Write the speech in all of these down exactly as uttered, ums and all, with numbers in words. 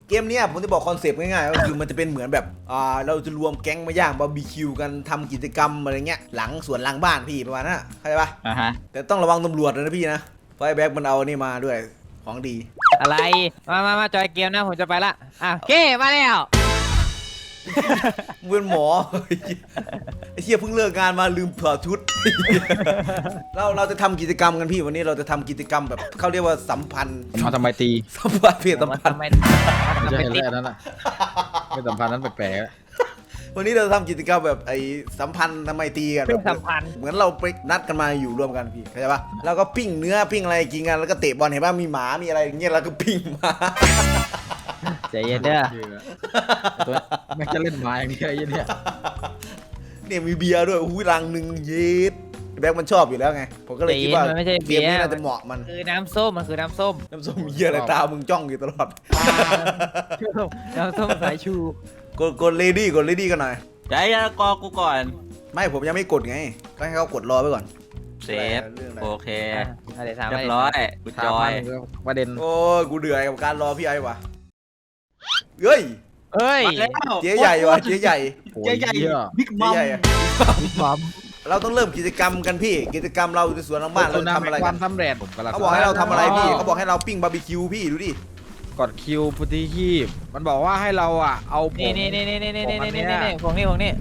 เกมเนี้ยผมจะบอกคอนเซปต์ง่ายๆก็คือมันจะเป็นเหมือนแบบอ่าเราจะรวมแก๊งมาย่างบาร์บีคิวกันทำกิจกรรมอะไรเงี้ยหลังสวนหลังบ้านพี่ประมาณนั้นเข้าใจปะอ่าฮะแต่ต้องระวังตำรวจนะพี่นะเพราะไอ้แบ็คมันเอานี่มาด้วยของดีอะไรมามามาจอยเกมนะผมจะไปละอ่ะเก้มาแล้วมึงเป็นหมอ ไอ้เชี่ยเพิ่งเลิกงานมาลืมถอดชุด เราเราจะทำกิจกรรมกันพี่วันนี้เราจะทำกิจกรรมแบบเขาเรียกว่าสัมพันธ์เอาทำไมตีสัมพันธ์เพศสัมพันธ์ทำไมไม่ทำใช่ไมเรื่ติอดงนั้นน่ะไม่สัมพันธ์นั้นแปลกวันนี้เราจะทำกิจกรรมแบบไอ้สัมพันธ์ทำไมตรีกันเพื่แบอบ สัมพันธ์เหมือนเราไปนัดกันมาอยู่ร่วมกันพี่เข้าใจปะแล้วก็ปิ้งเนื้อปิ้งอะไรกินกันแล้วก็เตะบอลเห็นป่ะมีหมามีอะไรอย่างเงี้ยแล้วก็ปิ้งมาใจเย็นเด้อตัวแม่งจะเล่นไม้อย่างนี้ไอ้เนี่ยเนี่ยมีเบียร์ด้วยอุ้ยรังหนึ่งเย็ดแบ็คมันชอบอยู่แล้วไงผมก็เลยคิดว่ามันไม่ใช่เกเบีมยร์นี้น่าจะเหมาะมันคือน้ำส้มมันคือน้ำส้มน้ำส้มเยี่ยอะไรตามึงจ้องอยู่ตลอดน้ำส้มสายชูกดกดเลดี้กดเลดี้กันหน่อยใจยากอกูก่อนไม่ผมยังไม่กดไงก็ให้เขากดรอไปก่อนเซฟเรื่องอะไรโอเคอ่ะอะไรถามเรียอะไรบร้อยกูถาจมอมันยประเด็นโอ้ยกูเดือดกับการรอพี่ไอ้วะเฮ้ยเอ้ยมาแล้วเจ๊ใหญ่วะเจ๊ใหญ่โอ้ยเจ๊ใหญ่เหี้ยบิ๊กเจ๊มัมใหญ่อะบอมเราต้องเริ่มกิจกรรมกันพี่ กิจกรรมเราในสวนหลังบ้านเราจะทำอะไรคกัวาน มสำเร็จผมกำลังเขาบอกให้เราทำอะไรพี่เขาบอกให้เราปิ้งบาร์บีคิวพี่ดูดิกดคิวพุทธิคีบมันบอกว่าให้เราอ่ะเอาผนี่งนี่นี่นี่นี่นี่นี่ของอันเนี้นี่ยนี่ของนี่ของนี่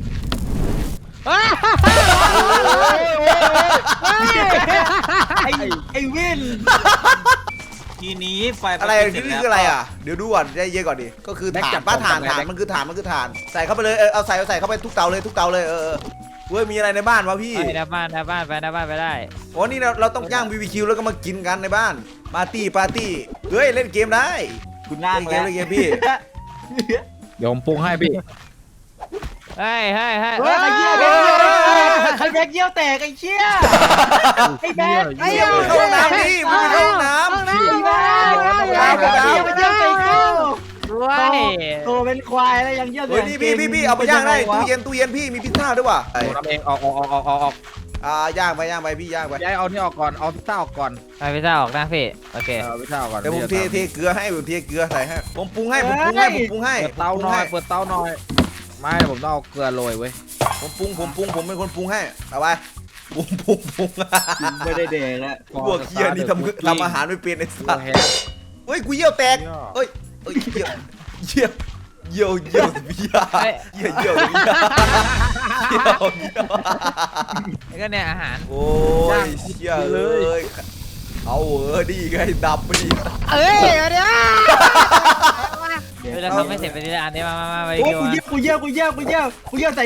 ไอ้ไอ้วิน ทีนี้ไฟอะไรปนี่เสจแล้วคืออะไรอ่ะเดี๋ยวดูก่อนได้เยอะก่อนดิก็คือแบ็คถ่าจันบป้าของถ่านทำไงถ่านแบ็คมันคือถ่านมันคือถ่านใส่เข้าไปเลยเออเอาใส่เอาใส่เข้าไปทุกเตาเลยทุกเตาเลยเออเออเว้ยมีอะไรในบ้านวะพี่ไปหน้าบ้านหน้าบ้านไปหน้าบ้านไปได้โอ้นี่เราเราต้องย่างบีบีคิวแล้วก็มากินกันในบ้านปาร์ตี้ปาร์ตี้เฮ้ยเล่นเกมได้คุณนั่งเล่นเกแล้วมเล่นเกมพี่เดี๋ยวผมปรุงให้พี่เฮ้ยเฮ้ยเฮ้ยเฮ้ยไอ้เหี้ยเฮ้ยไอ้แบกเยี่ยวแตกไอ้เชี่ยไอ้แบกไอ้เยี่ยมเข้าห้องน้ำดิมึงไปเข้าห้องน้ำไอ้แบกไอ้แบกเยี่ยวเยี่ยวใส่กูด้วยโตเป็นควายแล้วยังเยี่ยวแตกเฮ้ยนี่พี่พี่พี่เอาไปย่างได้ตู้เย็นตู้เย็นพี่มีพิซซ่าด้วยว่ะผมทำเองออกออกออกออกออกออกอ่าย่างไปย่างไปพี่ย่างไปย้ายเอานี่ออกก่อนเอาพิซซ่าออกก่อนไปพิซซ่าออกนะพี่โอเคเอาพิซซ่าออกก่อนเดี๋ยวผมเทพี่จะเทเกลือให้ผมเทเกลือใส่ให้ผมปรุงให้ผมปรุงให้ผมปรุงให้เปิดเตาหน่อยเปิดเตาหน่อยไม่ผมต้องเอาเกลือโรยเว้ยผมปรุงผมปรุงผมเป็นคนปรุงให้เอาไปปรุงปรุงปรุงไม่ได้เด็กแล้วพวกเคียนี่ทำทำอาหารไม่เป็นไอ้เกลืสัอสแห้งเฮ้ยกูเยี่ยวแตกเฮ้ยเฮ้ยเยี่ยวเยี่ยวเยี่ยวเยี่ยวเยี่ยวเยี่ยวเยี่ยวเยี่ยวเยี่ยวแล้วก็เนี่ยอาหารโอ้ยเชี่ยเลยเอาเออดีไงดับไปดิเอ้ยเดี๋ยวเดี๋ยวเราทำให้เสร็จไปทีละอันนี้มามามาไปโอ้ดูกูเยี่ยวกูเยี่ยวกูเยี่ยวกูเยี่ยวกูเยี่ยวใส่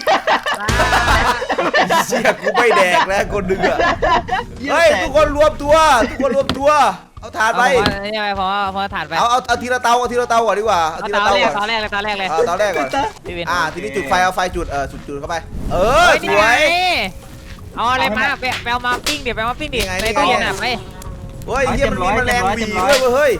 เชี่ยกูไม่แดกแล้วคนดึงอ่ะเฮ้ยทุกคนรวมตัวทุกคนรวมตัวเอาถาดไปเอานี่ไปพอพอถ่านไปเอาเอาเอาทีละเตาเอาทีละเตาก่อนดีกว่าเอาเอาทีเตาละเตาแรกก่อนเตาแรกเลยเตาแรกเลยเอาเตาแรกก่อนพี่วินอ่าทีนี้จุดไฟเอาไฟจุดเออจุดจุดเข้าไปเออสนี่วไงยเอาอะไรมาไปไปเอามาปิ้งดิไปเอามาปิ้งดินี่ไงไปนี่ไงตู้เย็นอ่ะไปเฮ้ยเฮียมันมีแมลงบีด้วยเว้ยเฮ้ย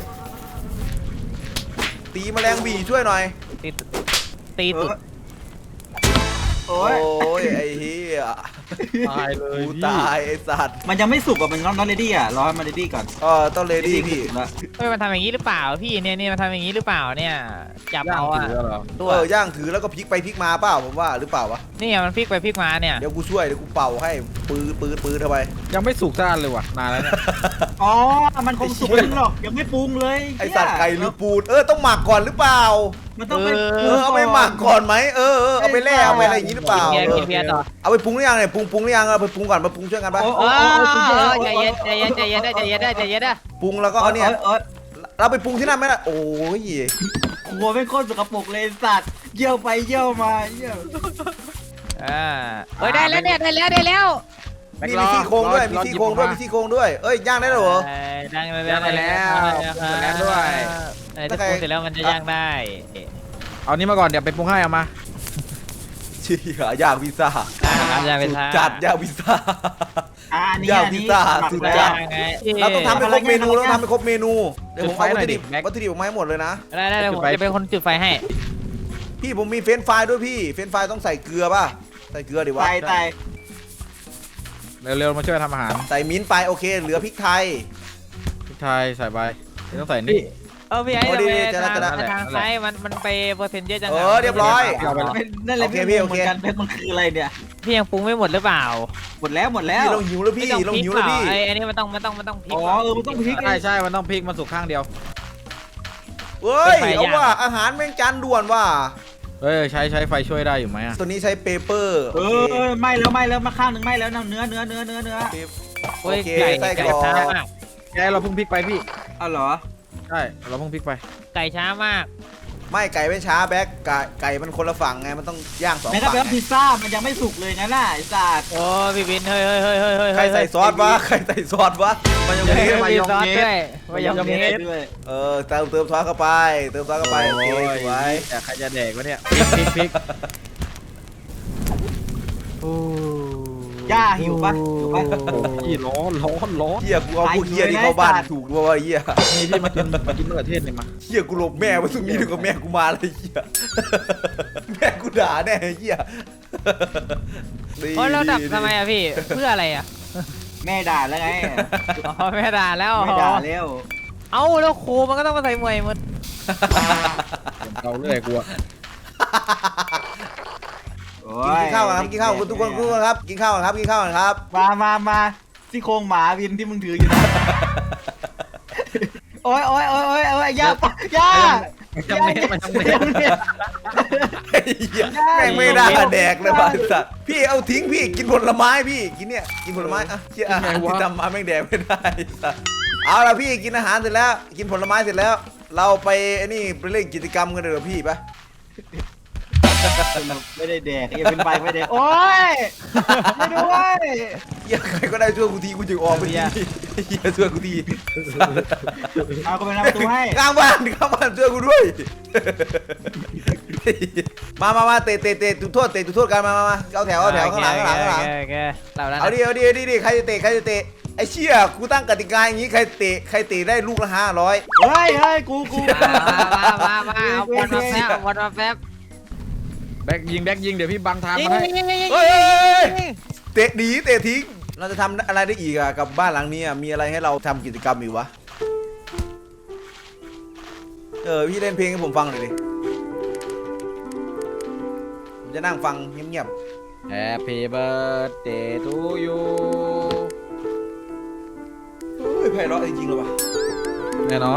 ตีแมลงบีช่วยหน่อยตีตีตุดโอ้โอ้ยยไอ้เฮียตายเลยกูพี่ตายไอ้สัตว์มันยังไม่สุกอ่ะมันน้องน้องเรดี้อ่ะรอให้มันเรดี้ก่อนเออต้องเลดี้พี่แล้วเฮ้ยมันทำอย่างนี้หรือเปล่าพี่เนี่ยเนี่ยมันทำอย่างนี้หรือเปล่าเนี่ยจับย่างเอาอะถือเหรอตัวเออย่างถือแล้วก็พลิกไปพลิกมาเปล่าผมว่าหรือเปล่าวะนี่มันพลิกไปพลิกมาเนี่ยเดี๋ยวกูช่วยเดี๋ยวกูเป่าให้ปืนปืนปืนเข้าไปยังไม่สุกซ่านเลยว่ะนานแล้วเนี่ยอ๋อมันคงสุกจริงหรอกยังไม่ปรุงเลยไอสัตว์ไก่หรือปูดเออต้องหมักก่อนหรือเปล่ามันต้องไปเออเอาไปหมักก่อนไหมเออเออเอาไปแล่เอาไปอะไรอย่างนี้หรือเปล่าเบียร์เอกิอนเบียร์ต่อเอาไปปรุงหรือยังเนี่ยปรุงปรุงหรือยังเอาไปปรุงก่อนมาปรุงช่วยกันปะโอ้โอ้โอ้โอ้ใจเย็นใจเย็นใจเย็นได้ใจเย็นได้ใจเย็นได้ปรุงแล้วก็เอาเนี่ยเอ้ยเราไปปรุงที่นั่นไหมล่ะโอ้ยครัวเป็นคนสกปรกเลยสัตว์เยี่ยวไปเยี่ยวมาเยี่ยวอ่าเฮ้ยได้แล้วเนี่ยได้แล้วได้แล้วนี่มีซี่โครงด้วยมีซี่โครงด้วยมีซี่โครงด้วยเอ้ยย่างได้แล้วเหรอดังแล้วย่างได้แล้วแล้วด้วยอะไรที่ปรุงเสร็จแล้วมันจะย่างได้เอานี้มาก่อนเดี๋ยวไปปรุงให้เอามาชี้หาย่างพิซซ่าย่างเป็นทางจัดย่างพิซซ่าอ่านี่ย่างอันพิซนี้ซ่าหมักสุดแล้วจัดไงเราต้องทำให้ครบเมนูอะไรเราเงี้ยทำให้ครบเมนูเดี๋ยวผมเอาจุดไฟวัตถุดิบหน่อยดิแม็กวัตถุดิบออกมาให้หมดเลยนะได้ได้ผมจะเป็นคนจุดไฟให้พี่ผมมีเฟรนช์ฟรายด้วยพี่เฟรนช์ฟรายต้องใส่เกลือป่ะใส่เกลือดิวะตายตายเร็วๆมาช่วยทำอาหารใส่มิ้นท์ไปโอเคเหลือพริกไทยพริกไทยใส่ไปนี่ต้องใส่นี่เออพี่ไอ้โอ้ดีทำไมจะได้ทางจะได้ทางซ้ายมันมันไปเปอร์เซ็นต์เยอะจังะเออเรียบร้อยเอาไปแล้วนั่นแหละโอเคพี่พี่งโองเหเคมือนกันเพชรมันคืออะไรเนี่ยพี่ยังปรุงไม่หมดหรือเปล่าหมดแล้วหมดแล้วพี่เราหิวแล้วพี่ไม่ต้องเราพริกหิวเปแล้วล่าพี่ไอ้อันนี้มันต้องมันต้องมันต้องพริกอ๋อเออมันต้องพริกใช่ใช่มันต้องพลิกมันสุกข้างเดียวเฮ้ยไฟเอาย่างว่าอาหารแม่งจานด่วนว่ะเฮ้ยใช้ใช้ไฟช่วยได้อยู่ไหมอะตัวนี้ใช้เปเปอร์เออไหม่แล้วไหม่แล้วมาข้างหนึ่งไหม่แล้วนะเนื้อเนื้อเนื้อเนื้อเนื้อโอโอ้ยเคไก่ไส้กไก่รอกช้ามากแกเราเพิ่งพลิกไปพี่เอาเหรอใช่เราเพิ่งพลิกไปไก่ช้ามากไม่ไก่ไม่ช้าแบ็คไก่ไก่มันคนละฝั่งไงมันต้องย่างสองแม้กระฝั่งทั่งไงพิซซ่ามันยังไม่สุกเลยนะน่ะไอ้สัตว์โอ้พี่บินเฮ้ยเฮ้ยเฮ้ยเฮ้ยเฮ้ยใครใส่ซอสวะใครใส่ซอสวะมันยังเฮ้มียมีซอสด้วยมายองเนสด้วยเออเติมเติมซอสเข้าไป เติมซอสเข้าไปโอเคสวยแต่ใครจะแดกวะเนี่ยพลิกพลิกพลิกย่าหิวปะหิวปะพี่ร้อนร้อนร้อนเฮียกูเอาพวกเฮียนี่เข้าบ้านถูกด้วยวะเฮียนี่พี่มากินมากินมะเขือเทศเนี่ยมาเฮียกูหลบแม่ไว้ตรงนี้ดีกว่าแม่กูมาเลยเฮียแม่กูด่าแน่เฮียดีโอ้ยเราดับดีทำไมอะพี่เพื่ออะไรอะแม่ด่าแล้วไงอ๋อไม่ด่าแล้วไม่ด่าแล้วเอ้าแล้วครูมันก็ต้องมาใส่มวยหมดเราเรื่อยกลัวโอ้กินข้าวกันครับกินข้าวกันทุกคนทุกคนครับกินข้าวกันครับกินข้าวกันครับมามามาซี่โครงหมาวินที่มึงถืออยู่นะโอ้ยโอ้ยโอ้ยโอ้ยโอ้ยย่าปะย่าจำเน็ตมาจำเน็ตไอ้เหี้ยแม่งไม่ได้แดกเลยบ้าสัตว์พี่เอาทิ้งพี่กินผลไม้พี่กินเนี่ยกินผลไม้อ่ะเชี่ยอาหารที่ทำมาแม่งแดกไม่ได้สัตว์เอาละพี่กินอาหารเสร็จแล้ว กินผลไม้เสร็จแล้ว เราไปไอ้นี่ไปเล่นกิจกรรมกันเลยเหรอพี่ปะไม่ได้แดกอย่าเป็นใบไม่ได้โอ้ยไม่ด้วยเหี้ยใครก็ได้ช่วยกูทีกูจะออกไปทีเหี้ยช่วยกูทีเอาก็ไปนำประตูให้ข้างบ้านข้างบ้านช่วยกูด้วยมามามาเตะเตะเตะจุดโทษเตะจุดโทษกันมามามาเอาแถวเอาแถวข้างหลังข้างหลังข้างหลังโอเคเราแล้วเอาดิเอาดิเอาดิดิใครจะเตะใครจะเตะไอ้เชี่ยกูตั้งกติกาอย่างงี้ใครเตะใครเตะได้ลูกละห้าร้อยเฮ้ยเฮ้ยกูกูมามามามาเอาบอลมาแป๊บเอาบอลมาแป๊บแบ็กยิงแบ็กยิงเดี๋ยวพี่บังทางยิงมาให้ยิงยิงยิงเฮ้ยยิงเตะดีเตะทิ้งเราจะทำอะไรได้อีกอะกับบ้านหลังนี้อะมีอะไรให้เราทำกิจกรรมอีกวะเออพี่เล่นเพลงให้ผมฟังหน่อยดิผมจะนั่งฟังเงียบ Happy birthday to you ๆเฮ้ยไพเราะจริงๆเลยวะแน่นอน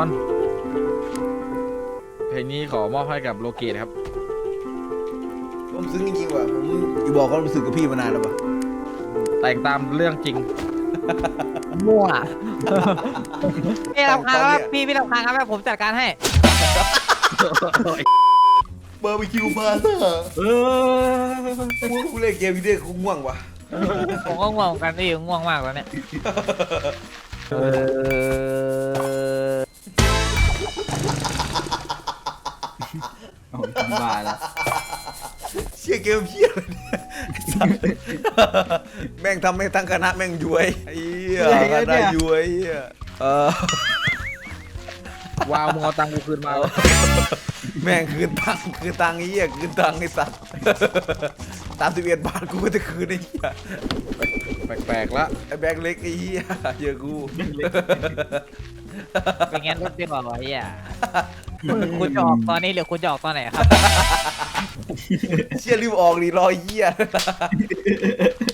เพลงนี้ขอมอบให้กับโลเกตครับผมซึ้งจริงๆว่ะผมอยู่บอกความรู้สึกกับพี่มานานแล้ววะแต่งตามเรื่องจริงมั่วพี่รับคางครับพี่พี่รับคางครับผมจัดการให้เบอร์บีคิวมาเถอะเออกูเล่นเกมวิดีโอกูง่วงว่ะผมก็ง่วงกันพี่ง่วงมากแล้วเนี่ยเออโอ้ยทำบาแล้วเชี่ยเกมเพี้ยอะไรเนี่ยไอ้สัสแม่งทำให้ทั้งคณะแม่งย้วยไอ้เหี้ยคณะย้วยเหี้ยเออวาวมึงเอาตังค์กูคืนมาแม่งคืนตังค์คืนตังค์ไอ้เหี้ยคืนตังค์ไอ้สัตว์สามสิบเอ็ดบาทกูก็จะคืนไอ้เหี้ยแปลกๆละไอ้แบงค์เล็กไอ้เหี้ยเยอะกูเป็นงั้นรถดีกว่าไอ้เหี้ยคุณจะออกตอนนี้หรือคุณจะออกตอนไหนครับเชี่ยรีบออกดิรอไอ้เหี้ย